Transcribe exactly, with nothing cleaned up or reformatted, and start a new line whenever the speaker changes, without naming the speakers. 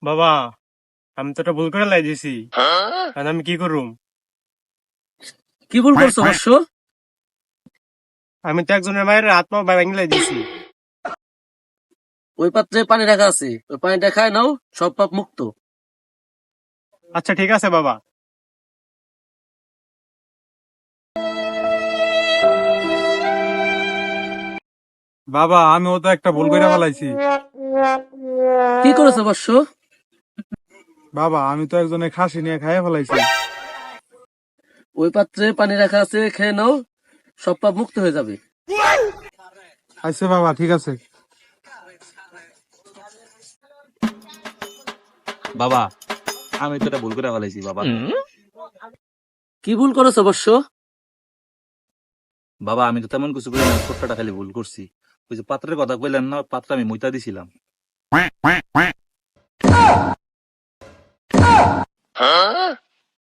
বাবা, আমি তো এটা ভুল করে লাই দিছি। এখন আমি কি করুম?
কি ভুল করছো বর্ষ?
আমি তো একজনের মায়ের হাত পা ভাঙি লাই দিছি।
ওই পাত্রে পানি রাখা আছে, ওই পানিটা খায় নাও, সব পাপ মুক্ত।
আচ্ছা ঠিক আছে বাবা।
বাবা আমিও তো একটা ভুল করে ফেলাইছি।
কি করেছো বর্ষ?
বাবা আমি তো একজনের খাসি নিয়ে খাইয়ে ফেলাইছি।
ওই পাত্রে পানি রাখা আছে, খেয়ে নাও, সব পাপ মুক্ত হয়ে যাবে।
আচ্ছা বাবা ঠিক আছে।
বাবা আমি তো এটা ভুল করে ফেলাইছি বাবা।
কি ভুল করেছো বর্ষ?
বাবা আমি তো তেমন কিছু করি না, ছোট্টটা খালি ভুল করছি। ওই যে পাত্রের কথা কইলেন না, পাত্র আমি মুইতা দিছিলাম।